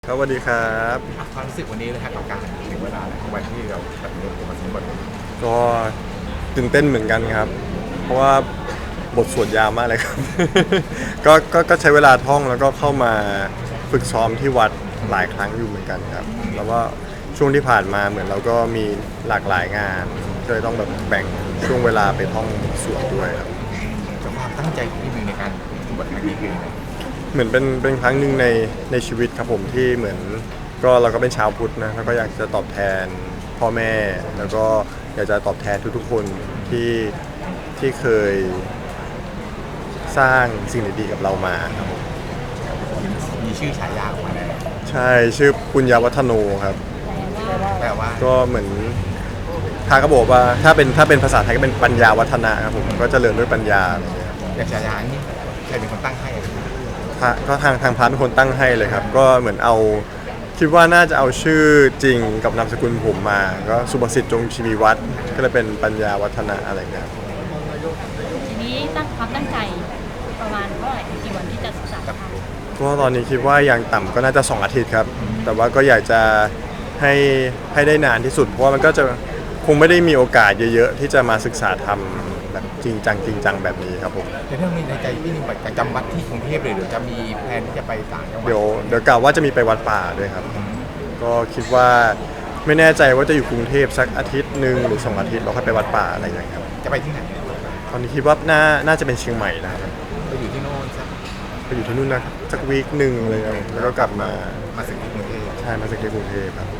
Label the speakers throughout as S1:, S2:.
S1: ครับสวัสดีครับ
S2: ความรู้สึกวันนี้เลยครับกับการถึงเวลาแล้ววันที่เราตัดสินใจมาสมบัติ
S1: ก็ตื่นเต้นเหมือนกันครับเพราะว่าบทสวดยาวมากเลยครับก็ใช้เวลาท่องแล้วก็เข้ามาฝึกซ้อมที่วัดหลายครั้งอยู่เหมือนกันครับแล้วว่าช่วงที่ผ่านมาเหมือนเราก็มีหลากหลายงานก็เลยต้องแบบแบ่งช่วงเวลาไปท่องสวดด้วยครับ
S2: กับความตั้งใจของพี่มีในการบทครั้งนี้คืออะไร
S1: เหมือนเป็นครั้งหนึ่งในชีวิตครับผมที่เหมือนก็เราก็เป็นชาวพุทธนะแล้วก็อยากจะตอบแทนพ่อแม่แล้วก็อยากจะตอบแทนทุกๆคนที่เคยสร้างสิ่งดีๆกับเรามาครับผม
S2: มีชื่อฉายาออกมาแล้ว
S1: ใช่ชื่อปุญญาวัฒโนครับ
S2: แต่ว่า
S1: ก็เหมือนพระก็บอกว่าถ้าเป็นภาษาไทยก็เป็นปัญญาวัฒนะครับผมก็เจริญด้วยปัญญาอะไรเงี้ย
S2: อย่างฉายานี้ใครเป็นคนตั้งให้
S1: พระก็ทางพระเป็นคนตั้งให้เลยครับก็เหมือนเอาคิดว่าน่าจะเอาชื่อจริงกับนามสกุลผมมาก็สุภสิทธิ์จงชีวีวัฒน์ก็เลยเป็นปัญญาวัฒนะอะไรเงี้ย
S3: ทีนี้ตั้งความตั้งใจประมาณเท่าไหร่กี่วันที่จะศึกษาธรรม
S1: ก็ตอนนี้คิดว่าอย่างต่ำก็น่าจะ2 อาทิตย์ครับแต่ว่าก็อยากจะให้ได้นานที่สุดเพราะว่ามันก็จะคงไม่ได้มีโอกาสเยอะๆที่จะมาศึกษาธรรมแบบจริงจังแบบนี้ครับผม
S2: แต่ถ้ามีในใจพี่นึงจะจำวัดที่กรุงเทพเลยหรือจะมีแผนที่จะไปต่างจังหวัด
S1: เดี๋ยวกล่าวว่าจะมีไปวัดป่าด้วยครับก็คิดว่าไม่แน่ใจว่าจะอยู่กรุงเทพสักอาทิตย์หนึ่งหรือ2 อาทิตย์เราค่อยไปวัดป่าอะไรอย่างเงี้ยครับ
S2: จะไปที่ไหน
S1: ตอนนี้คิดว่าน่าจะเป็นเชียงใหม่นะครับ
S2: ไปอยู่ที่โน่นสัก
S1: ไปอยู่ที่นู่นนะสักวีคหนึ่งเลยแล้วก็กลับมา
S2: สึกที่กรุงเทพ
S1: ใช่มาสึกที่กรุงเทพครับ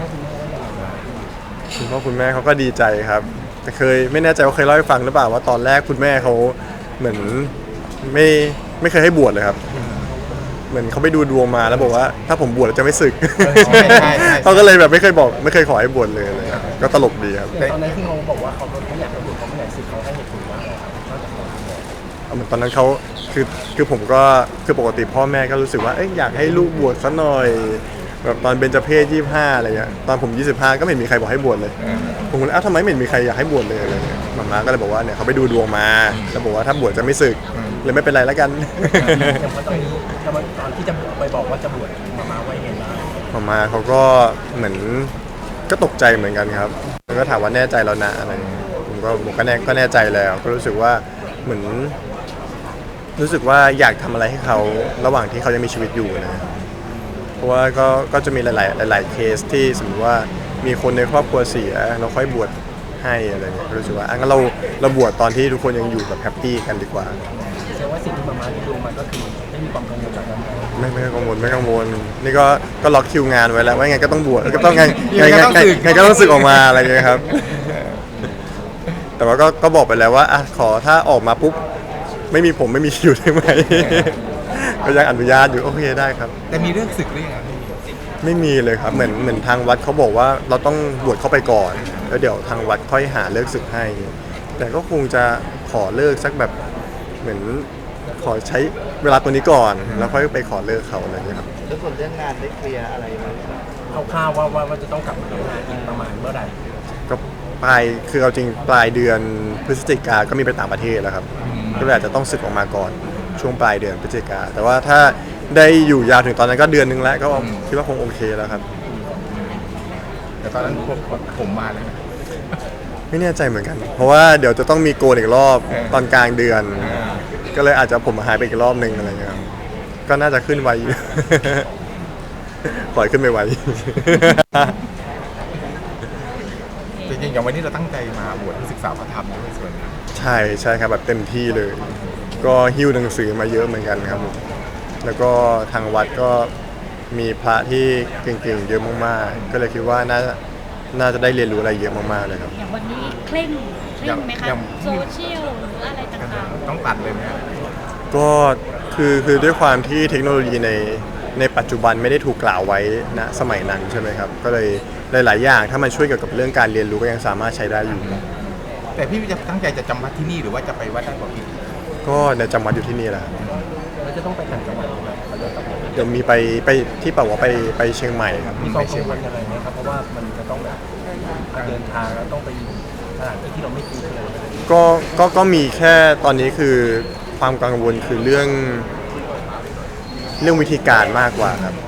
S1: คุณพ่อคุณแม่เขาก็ดีใจครับแต่ไม่แน่ใจว่าเคยเล่าให้ฟังหรือเปล่าว่าตอนแรกคุณแม่เขาเหมือนไม่เคยให้บวชเลยครับเหมือนเขาไปดูดวงมาแล้วบอกว่าถ้าผมบวชจะไม่สึกเขาก็เลยแบบไม่เคยขอให้บวชเลยอะไรก็ตลกดีครับ
S2: ตอนนั้นที่เขาบอกว่าเขาไม่อยากให้บวชเขาไม่อยากสึกเขาให้เหตุผลว่าอะไรครับนอกจากความบวช
S1: เหมือนตอนนั้นเขาคือผมก็คือปกติพ่อแม่ก็รู้สึกว่าอยากให้ลูกบวชซะหน่อยแบบตอนเบญจเพศ25อะไรเงี้ยตอนผม25ก็ไม่มีใครบอกให้บวชเลยผมก็เลยทำไมไม่มีใครอยากให้บวชเลยอะไรเงี้ยมาม่าก็เลยบอกว่าเนี่ยเขาไปดูดวงมาแล้วบอกว่าถ้าบวชจะไม่สึกเลยไม่เป็นไรแล้วกัน
S2: อย่างตอนนี้ตอนที่จะไปบอกว่าจะบวชมาไว้ไงบ้าง
S1: มาเขาก็เหมือนก็ตกใจเหมือนกันครับแล้วก็ถามว่าแน่ใจแล้วนะอะไรผมก็แน่ใจแล้วก็รู้สึกว่าเหมือนรู้สึกว่าอยากทำอะไรให้เขาระหว่างที่เขายังมีชีวิตอยู่นะเพราะว่าก็จะมีหลายเคสที่สมมติว่ามีคนในครอบครัวเสียเราค่อยบวชให้อะไรเงี้ยรู้สึกว่างั้นเราบวชตอนที่ทุกคนยังอยู่แบบแฮปปี้กันดีกว่า
S2: แสดงว่าสิ่งที่มาที่ดูมันก็คือไม่มีความกังวลแบบนั้น
S1: ไม่กังวลนี่ก็ล็อกคิวงานไว้แล้วว่าไงก็ต้องบวชก็ต้องไงก็ต้องสึกออกมาอะไรเงี้ยครับแต่ว่าก็บอกไปแล้วว่าขอถ้าออกมาปุ๊บไม่มีผมไม่มีคิวได้ไหมก็ยังอนุญาตอยู่โอเคได้ครับ
S2: แต่มีเรื่องศึกหรือยัง
S1: ไม่มีเลยครับเหมือนทางวัดเขาบอกว่าเราต้องบวชเข้าไปก่อนแล้วเดี๋ยวทางวัดค่อยหาเลิกศึกให้แต่ก็คงจะขอเลิกสักแบบเหมือนขอใช้เวลาตัวนี้ก่อนแล้วค่อยไปขอเลิกเขาอะไรอย่างเงี้ยครับ
S4: แล้วส่วนเรื่องงานได้เคลียร์อะไรไหม
S2: คร่าวๆว่าจะต้องกลับมาทำงานอีกประมาณเมื่อไหร่
S1: ก็คือเอาจริงปลายเดือนพฤศจิกาก็มีไปต่างประเทศแล้วครับก็เลยอาจจะต้องสึกออกมาก่อนช่วงปลายเดือนพฤศจิกาแต่ว่าถ้าได้อยู่ยาวถึงตอนนั้นก็เดือนนึงแล้วก็คิดว่าคงโอเคแล้วครับ
S2: แต่ตอนนั้นผมมาเลย
S1: ไม่แน่ใจเหมือนกันเพราะว่าเดี๋ยวจะต้องมีโกนอีกรอบตอนกลางเดือนก็เลยอาจจะผมหายไปอีกรอบนึงอะไรเงี้ยก็น่าจะขึ้นไวปล่อยขึ้นไปไว
S2: จริงๆอย่างวันนี้เราตั้งใจมาบวชศึกษาพระธรรมด้วยส่วน
S1: ใช่ครับแบบเต็มที่เลยก็หิ้วหนังสือมาเยอะเหมือนกันครับแล้วก็ทางวัดก็มีพระที่เก่งๆเยอะมากๆก็เลยคิดว่าน่าจะได้เรียนรู้อะไรเยอะมากๆเลยครับ
S3: อย่างวันนี้เคร่งไหมคะโซเชียลหรืออะไรต่าง
S2: ๆต้องตัดเลยไหม
S1: ก็คือด้วยความที่เทคโนโลยีในปัจจุบันไม่ได้ถูกกล่าวไว้ณสมัยนั้นใช่ไหมครับก็เลยหลายๆอย่างถ้ามันช่วยเกี่ยวกับเรื่องการเรียนรู้ก็ยังสามารถใช้ได้อยู่
S2: แต่พี่จะตั้งใจจะจำวัดที่นี่หรือว่าจะไปวัดด้านบน
S1: ก็ในจำวัดอยู่ที่นี่แหละ
S2: แล้วจะต้องไปต่างจังหวัด
S1: เดี๋ยวมีไปที่ป่าวว่าไปเชียงใหม่ครับ
S2: มีความกังวลอะไรไหมครับเพราะว่ามันจะต้องแบบเดินทางแล้วต้องไปสถานที่ที่เราไม่คุ้นเคย
S1: ก็มีแค่ตอนนี้คือความกังวลคือเรื่องวิธีการมากกว่าครับ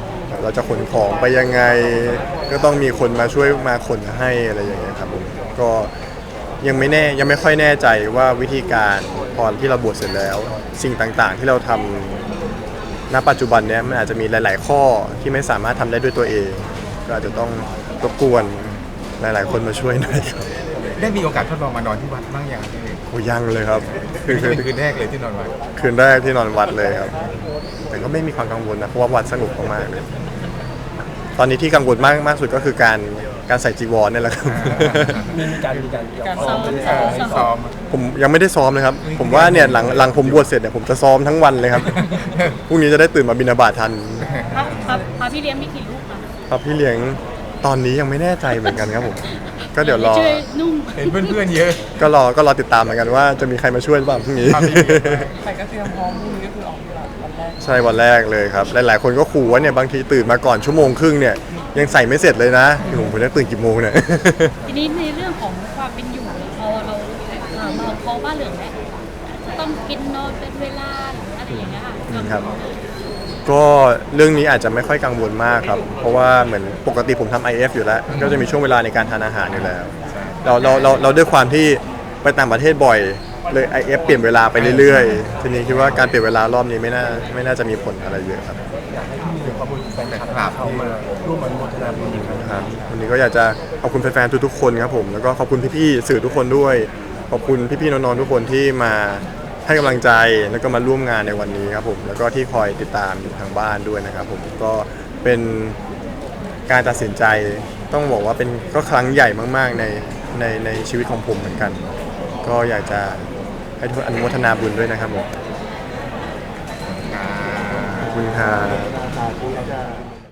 S1: เราจะขนของไปยังไง ก็ต้องมีคนมาช่วยมาขนให้อะไรอย่างเงี้ยครับผมก็ยังไม่ค่อยแน่ใจว่าวิธีการพอที่เราบวชเสร็จแล้ว สิ่งต่างๆที่เราทำณปัจจุบันเนี้ยมันอาจจะมีหลาย ๆ ข้อที่ไม่สามารถทำได้ด้วยตัวเอง ก็อาจจะต้องรบกวนหลาย ๆ คนมาช่วยหน่อยครับ
S5: ได้มีโอกาสทดลองมานอนที่วัดบ้างยังพี่เอก
S1: โอ้ยังเลยครับคือ
S5: คืนแรกเลยที่นอนวัด
S1: คืนแรกที่นอนวัดเลยครับ แต่ก็ไม่มีความกังวลนะเพราะว่าวัดสงบมากๆเลย ตอนนี้ที่กังวลมากสุดก็คือการใส่จีวรเนี่ยแหละครับ
S2: มีการ
S3: ซ้อม
S5: ซ้อม
S1: ผมยังไม่ได้ซ้อมเลยครับ ผมว่าเนี่ยหลังผมบวชเสร็จเนี่ยผมจะซ้อมทั้งวันเลยครับพรุ่งนี้จะได้ตื่นมาบิณฑบาตทัน
S3: พระพี่เลี้ยงมีกี่ลูกคะ
S1: ครับพี่เลี้ยงตอนนี้ยังไม่แน่ใจเหมือนกันครับผม ก็เดี๋ยวรอ
S3: ช่วยนุ่ม
S5: เห็นเพื่อนๆเยอะ
S1: ก็รอติดตามเหมือนกันว่าจะมีใครมาช่วยหรือเปล่าพรุ่งนี้
S5: ครับพี่
S6: แต่ก็เตรียมพร้อมพรุ่งนี้ก็คือออกตลาดวันแรก
S1: ใช่วันแรกเลยครับ หลายๆคนก็ขู่ว่าเนี่ยบางทีตื่นมาก่อนชั่วโมงครึ่งเนี่ยยังใส่ไม่เสร็จเลยนะผมจะตื่นกี่โมงเนี่ย
S3: ทีนี้ในเรื่องของความเป็นอยู่พอเรามาคอบ้านเหลืองแล้วจะต้องกินนอนเป็นเวลาหรืออะไรอย่างเงี้ยค่ะ
S1: ครับ ก็เรื่องนี้อาจจะไม่ค่อยกังวลมากครับ เพราะว่าเหมือนปกติผมทำ IF อยู่แล้ว ก็จะมีช่วงเวลาในการทานอาหารอยู่แล้ว เราด้วยความที่ไปต่างประเทศบ่อยเลย IF เปลี่ยนเวลาไปเรื่อยๆ ทีนี้คิดว่าการเปลี่ยนเวลารอบนี้ไม่น่าจะมีผลอะไรเยอะครับ
S2: อยากให้พี่ขอบคุณแฟนคลับเข้ามาร่วมอนุโมทนาบุญอีกครั้ง
S1: ครับวันนี้ก็อยากจะขอบคุณแฟนๆทุกๆคนครับผมแล้วก็ขอบคุณพี่ๆสื่อทุกคนด้วย ขอบคุณพี่ๆน้องๆทุกคนที่มาให้กำลังใจแล้วก็มาร่วมงานในวันนี้ครับผมแล้วก็ที่คอยติดตามอยู่ทางบ้านด้วยนะครับผมก็เป็นการตัดสินใจต้องบอกว่าเป็นก็ครั้งใหญ่มากๆในชีวิตของผมเหมือนกัน ก็อยากจะให้ทุกคนอนุโมทนาบุญด้วยนะครับผมขอบคุณครับ
S4: สาธุจ้า